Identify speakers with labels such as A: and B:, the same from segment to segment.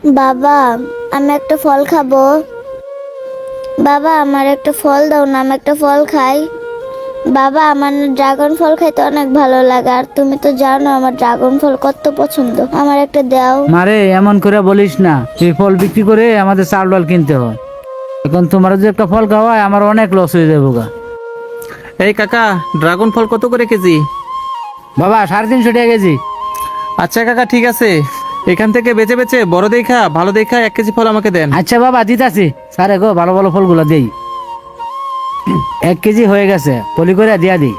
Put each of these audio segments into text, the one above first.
A: বাবা, আমি একটা ফল খাবো। বাবা, আমার একটা ফল দাও না, আমি একটা ফল খাই। বাবা, আমার না ড্রাগন ফল খাইতে অনেক ভালো লাগে, আর তুমি তো জানো আমার ড্রাগন ফল কত পছন্দ। আমার একটা দাও।
B: মারে এমন করে বলিস না, এই ফল বিক্রি করে আমাদের চাল ডাল কিনতে হয়। এখন তোমার যদি একটা ফল খাওয়ায় আমার অনেক লস হয়ে যাবো গা।
C: এই কাকা, ড্রাগন ফল কত করে কেজি?
B: বাবা 350 টাকা কেজি।
C: আচ্ছা কাকা, ঠিক আছে। এখান থেকে বেচে বেচে বড় দেখা ভালো দেখা 1 কেজি ফল আমাকে দেন।
B: আচ্ছা বাবা দিতাছি, স্যারে গো ভালো ভালো ফলগুলো দেই। 1 কেজি হয়ে গেছে, পলি করে দিয়া দিই।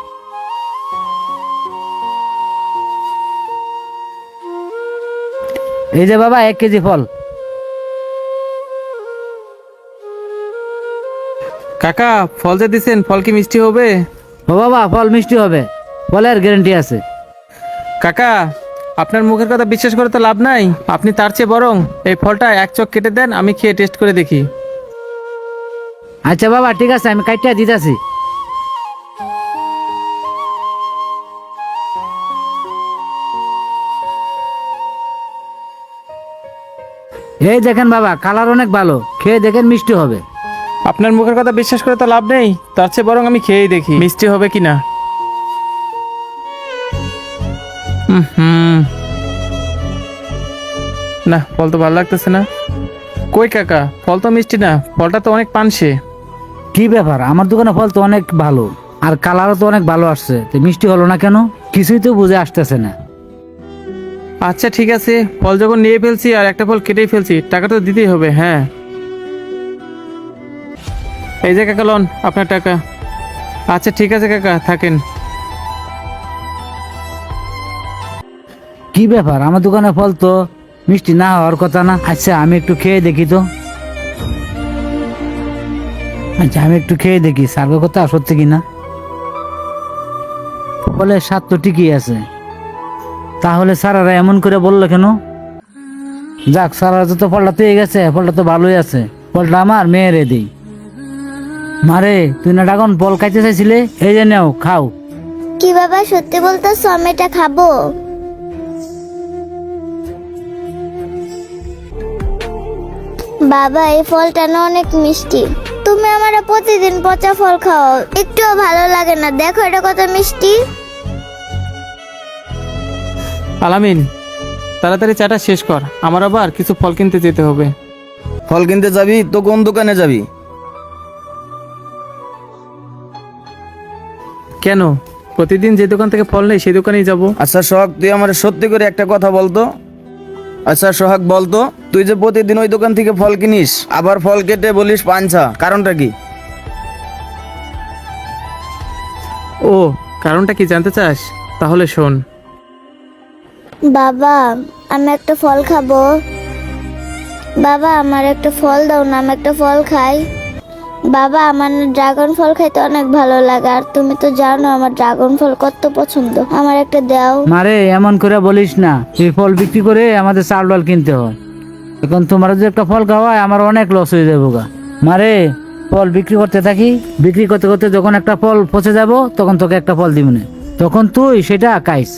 B: এই যে বাবা 1 কেজি ফল।
C: কাকা, ফল যে দিছেন, ফল কি মিষ্টি হবে?
B: ও বাবা, ফল মিষ্টি হবে, ফলের গ্যারান্টি আছে।
C: কাকা, আপনার মুখের কথা বিশ্বাস করে তো লাভ নাই। আপনি তার চেয়ে বরং এই ফলটা 1 চক কেটে দেন, আমি খেয়ে টেস্ট করে দেখি।
B: আচ্ছা বাবা ঠিক আছে, আমি কাইটা দিতাছি। এই দেখেন বাবা, কালার অনেক ভালো, খেয়ে দেখেন মিষ্টি হবে।
C: আপনার মুখের কথা বিশ্বাস করে তো লাভ নেই, তার চেয়ে বরং আমি খেয়েই দেখি মিষ্টি হবে কিনা। হুম, না, ফল তো ভালো লাগতেছে না। কই কাকা, ফল তো মিষ্টি না, ফলটা তো অনেক পানসে।
B: কি ব্যাপার, আমার দোকানে ফল তো অনেক ভালো, আর কালারও তো অনেক ভালো আসছে, তো মিষ্টি হলো না কেন? কিছুই তো বুঝে আসতেছে না।
C: আচ্ছা ঠিক আছে, ফল যখন নিয়ে ফেলছি আর একটা ফল কেটেই ফেলছি, টাকা তো দিতেই হবে। হ্যাঁ, এই যে কাকা লন আপনার টাকা। আচ্ছা ঠিক আছে কাকা, থাকেন।
B: কি ব্যাপার, আমার দোকানে ফল তো মিষ্টি না হওয়ার কথা না। আচ্ছা আমি একটু খেয়ে দেখি তো। আচ্ছা আমি একটু খেয়ে দেখি সার্গের কথা সত্যি কিনা। ফলের স্বাদ তো ঠিকই আছে, তাহলে স্যারেরা এমন করে বললো কেন? যাক, স্যারেরা তো ফলটা পেয়ে গেছে, ফলটা তো ভালোই আছে, ফলটা আমার মেয়েরে দিই। মারে, তুই না ড্রাগন ফল খাইতে চাইছিলে, এই যে নাও খাও।
A: কি বাবা, সত্যি বলতেছো আমি এটা খাবো? বাবা, এই ফলটা না অনেক মিষ্টি। তুমি আমার প্রতিদিন পচা ফল খাও, একটুও ভালো লাগে না। দেখো এটা কত মিষ্টি।
C: আলামিন, তাড়াতাড়ি চাটা শেষ কর, আমার আবার কিছু ফল কিনতে যেতে হবে।
D: ফল কিনতে যাবি তো কোন দোকানে যাবি?
C: কেন, প্রতিদিন যে দোকান থেকে ফল নেই সেই দোকানেই যাব।
D: আচ্ছা সোহাগ, তুই আমার সত্যি করে একটা কথা বলতো। আচ্ছা সোহাগ বলতো, তুই যে প্রতিদিন ওই দোকান থেকে ফল কিনিস, আবার ফল কেটে বলিস পাঞ্চা, কারণটা কি?
C: ও, কারণটা কি জানতে চাস? তাহলে শোন।
A: বাবা, আমি একটা ফল খাবো। বাবা, আমার একটা ফল দাও না, আমি একটা ফল খাই। বাবা, আমার না ড্রাগন ফল খাইতে অনেক ভালো লাগে, আর তুমি তো জানো আমার ড্রাগন ফল কত পছন্দ। আমার একটা দাও।
B: মারে এমন করে বলিস না, এই ফল বিক্রি করে আমাদের চাল ডাল কিনতে হয়। এখন তোমার যদি একটা ফল খাওয়ায় আমার অনেক লস হয়ে যাবো গা। মারে, ফল বিক্রি করতে থাকি, বিক্রি করতে করতে যখন একটা ফল পচে যাব তখন তোকে একটা ফল দিব না, তখন তুই সেটা খাইস।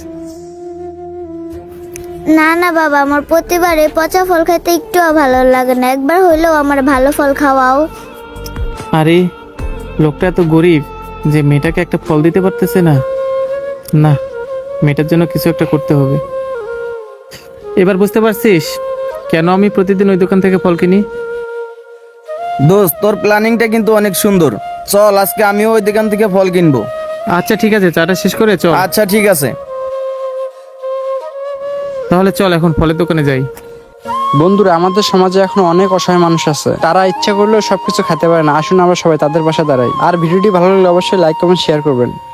A: না না বাবা, আমার প্রতিবার এই পচা ফল খাইতে একটুও ভালো লাগে না, একবার হইলেও আমার ভালো ফল খাওয়াও।
C: আরে, লোকটা এত গরিব যে মেয়েটাকে একটা ফল দিতে পারতেছে না। না, মেয়েটার জন্য কিছু একটা করতে হবে। এবার বুঝতে পারছিস কেন আমি প্রতিদিন ওই দোকান থেকে ফল কিনি?
D: দোস্ত, তোর প্ল্যানিংটা কিন্তু অনেক সুন্দর। চল আজকে আমিও ওই দোকান থেকে ফল কিনবো।
C: আচ্ছা ঠিক আছে, চাটা শেষ করে চল।
D: আচ্ছা ঠিক আছে।
C: তাহলে চল এখন ফলের দোকানে যাই।
E: বন্ধুরা, আমাদের সমাজে এখন অনেক অসহায় মানুষ আছে, তারা ইচ্ছা করলেও সবকিছু খেতে পারে না। আসুন আমরা সবাই তাদের পাশে দাঁড়াই। আর ভিডিওটি ভালো লাগলে অবশ্যই লাইক কমেন্ট শেয়ার করবেন।